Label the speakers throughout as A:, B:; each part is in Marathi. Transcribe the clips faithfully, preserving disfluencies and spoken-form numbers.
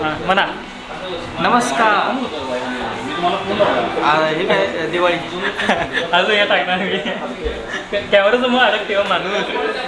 A: म्हणा
B: नमस्कार. हे काय दिवाळी
A: अजून या टाकणार मी कॅमेरा समोर अडक तेव्हा माणूस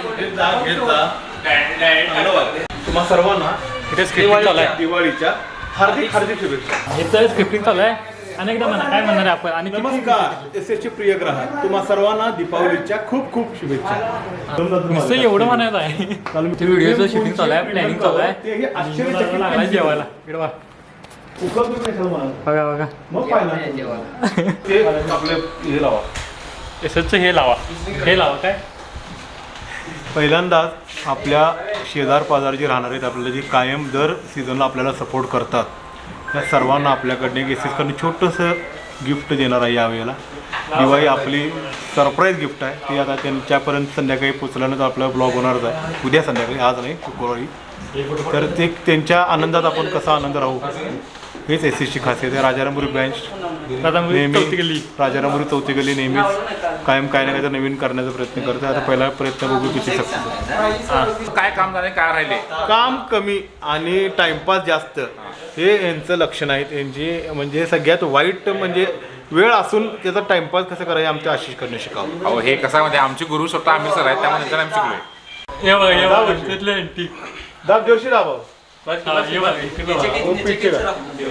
C: तुम्हा सर्वांना
A: इथे स्क्रिप्टिंग चालू आहे.
C: दिवाळीच्या हार्दिक हार्दिक शुभेच्छा.
A: इथं स्क्रिप्टिंग चालू आहे. अनेकदा म्हणा काय म्हणणार आहे आपण आणि किती-
C: नमस्कार एस एसचे प्रिय ग्राहक, तुम्हा सर्वांना दीपावलीच्या खूप खूप शुभेच्छा.
A: नुसतं एवढं म्हणायचं आहे. ते व्हिडिओचं शूटिंग चालू आहे, प्लॅनिंग चालू आहे.
C: तेही आश्चर्यचकित
A: लागला जेवायला इकडे बघा
C: उपलब्ध नाही सर्व मला.
A: बघा बघा
C: मग पाहिलं ते आपले हे लावा.
A: एसचं हे लावा हे लावा काय
C: पहिल्यांदाच आपल्या शेजार पाजार जे राहणार आहेत आपल्याला जे कायम दर सीझनला आपल्याला सपोर्ट करतात त्या सर्वांना आपल्याकडनं एक एस एसकडनं छोटंसं गिफ्ट देणार आहे यावेळेला. दिवाळी आपली सरप्राईज गिफ्ट आहे ती आता त्यांच्यापर्यंत संध्याकाळी पोचल्यानंतर आपला ब्लॉग होणारच आहे. उद्या संध्याकाळी, आज नाही, शुक्रवारी. तर ते त्यांच्या आनंदात आपण कसा आनंद राहू हेच एस एसची खासियत आहे. राजारामपुरी ब्रँच नेहमी राजारामपुरी चौथी गल्ली नेहमीच कायम काय ना काय तर नवीन करण्याचा प्रयत्न करते. आता पहिला प्रयत्न बघू किती सक्सेस.
D: काय काम झाले काय राहिले
C: काम कमी आणि टाइमपास जास्त हे यांचं लक्षण आहे. त्यांची म्हणजे सगळ्यात वाईट म्हणजे वेळ असून त्याचा टाइमपास कसं करायचं आमच्या आशिष करणं शिकावं.
D: अहो हे कसं म्हणजे आमचे गुरु स्वतः आम्ही सर आहेत त्यामुळे त्यांना आम्ही शिकलोय.
A: हे बघा हे बघा तिथले आंटी
C: दाब जोरशी दाबाव.
A: हा, हे बघा, इकडे बघा.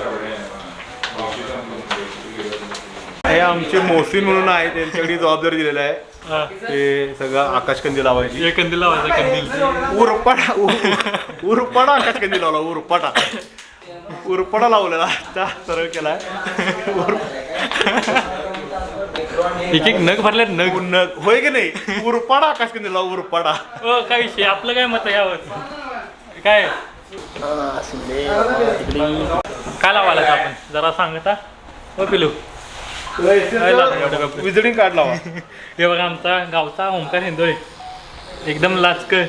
C: हे आमचे मोहसिन म्हणून आहे त्यांच्याकडे जबाबदारी दिलेला आहे.
A: हा.
C: ते सगळं आकाशकंदी लावायची.
A: हे कंदील लावायचा कंदील
C: उरपाडा उर- उरपाडा आकाशकंदी लावला. उरपाटा उरपाडा लावलेला त्या सरळ केलाय.
A: एक एक नग भरले नग
C: नग होय की नाही. उरपाडा आकाशकंदी लावा. उरपाडा
A: हो काय विषय आपलं काय मत आहे यावर काय काय लावायला आपण जरा सांगता हो पिलू
C: विजिटिंग कार्ड लावा.
A: हे बघा आमचा गावचा ओंकार हिंदोळे एकदम लाचकर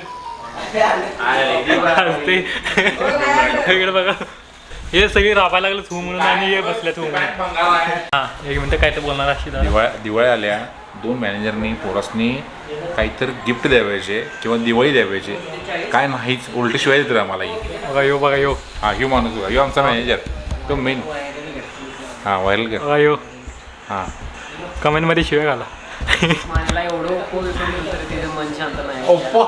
A: हसते. इकडे बघा हे सगळे राबायला लागलं थू म्हणून आणि हे बसल्या थू म्हणून. हा एक मिनिट काय तर बोलणार अशी
D: दिवाळी दिवाळी आल्या दोन मॅनेजरनी पोरासनी काहीतरी गिफ्ट द्यावायचे किंवा दिवाळी द्यावायचे काय नाहीच उलट शिवाय देतात आम्हाला.
A: बघा यो बघा यो
D: हा ह्यू माणूस बघा ह्यो आमचा मॅनेजर तो मेन. हां व्हायरल कर.
A: बघा यो
D: हां
A: कमेंट मध्ये शिवाय घाला.
B: मला एवढं कोण तरी तिचं मन शांत नाही.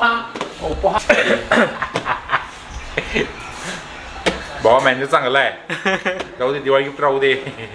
D: भावा मॅनेजर चांगला आहे राहू दे दिवाळी गिफ्ट राहू दे.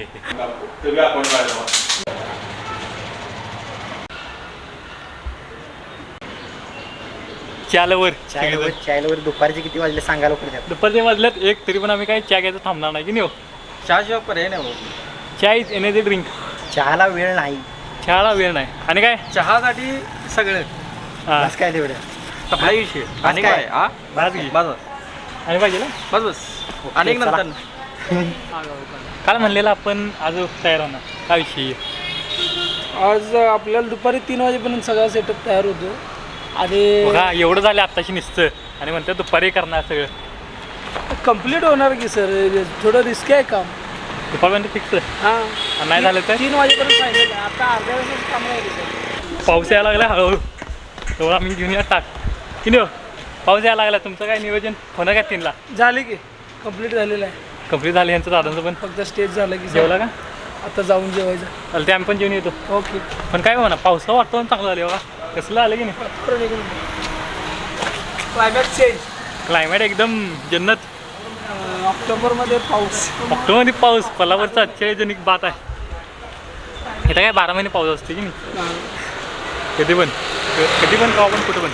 A: चालवर
B: चायला दुपारचे किती वाजले सांगायला पुढे
A: दुपारच्या वाजल्यात एक तरी पण आम्ही काही चहा घ्यायचं थांबणार नाही की नाही हो.
B: चहा शिवाय पर्याय नाही.
A: चहा इज एनर्जी ड्रिंक.
B: चहाला वेळ नाही.
A: चहाला वेळ नाही आणि काय
B: चहासाठी सगळं
A: हा
B: बस काय तेवढं
A: सप्लाय विषय
B: आणि काय हा
A: भात घे
B: बस
A: आणि पाहिजे ना
B: बस बस अनेक नंतर
A: काल म्हणलेलं आपण आज तयार होणार काय विषय
E: आज आपल्याला दुपारी तीन वाजेपर्यंत सगळा सेटअप तयार होतो आणि
A: बघा एवढं झालं आत्ताशी निसतं आणि म्हणतात दुपारी करणार सगळं
E: कम्प्लीट होणार की सर थोडं रिस्क आहे काम.
A: दुपारपर्यंत फिक्स
E: हां
A: नाही झालं तर
E: तीन वाजेपर्यंत सांगितलं आता अर्ध्या वेळेस काम आहे सर.
A: पाऊस यायला लागला हळूहळू तेवढा आम्ही घेऊन या टाक की नाही हो? पाऊस यायला लागला तुमचं काय नियोजन होणार काय तीनला
E: झाले की कम्प्लीट झालेलं आहे.
A: कंप्लीट झालं यांचं दादांचं पण
E: फक्त स्टेज झालं की
A: जेवला का
E: आता जाऊन जेवायचं.
A: चालते ते आम्ही पण जेवण येतो.
E: ओके
A: पण काय म्हणा पावसा वाटतं चांगलं झालं बघा कसलं आलं की नाही.
E: Climax change.
A: क्लायमेट एकदम जन्नत.
E: ऑक्टोबरमध्ये पाऊस.
A: ऑक्टोबरमध्ये पाऊस कोल्हापूरचा आश्चर्यजनक बात आहे. इथं काय बारा महिने पाऊस असते की नाही कधी पण कधी पण का पण कुठं पण.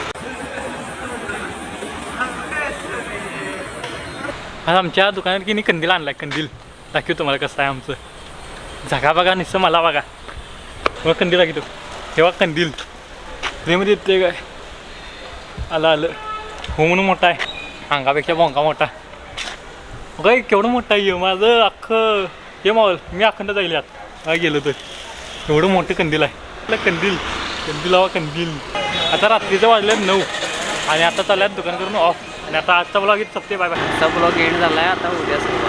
A: आज आमच्या दुकानात की नाही कंदील आणलाय कंदील दाखवतो तुम्हाला कसं आहे आमचं. जागा बघा निसं मला बघा मग कंदील दाखवतो तेव्हा कंदील फ्रीमध्ये येते काय आलं आलं हो म्हणून मोठा आहे अंगापेक्षा भोंगा मोठा काय केवढं मोठं आहे माझं अख्खं हे मावल मी अखंड जाईल यात काय गेलो तर एवढं मोठं कंदील आहे. कंदील कंदील हवा कंदील. आता रात्रीचं वाजल्यात नऊ आणि आता चालल्यात दुकान करून ऑफ आणि आता आजचा ब्लॉग इथं सप्ते बाय बाय.
B: आजचा ब्लॉग एंड झाला आहे. आता उद्या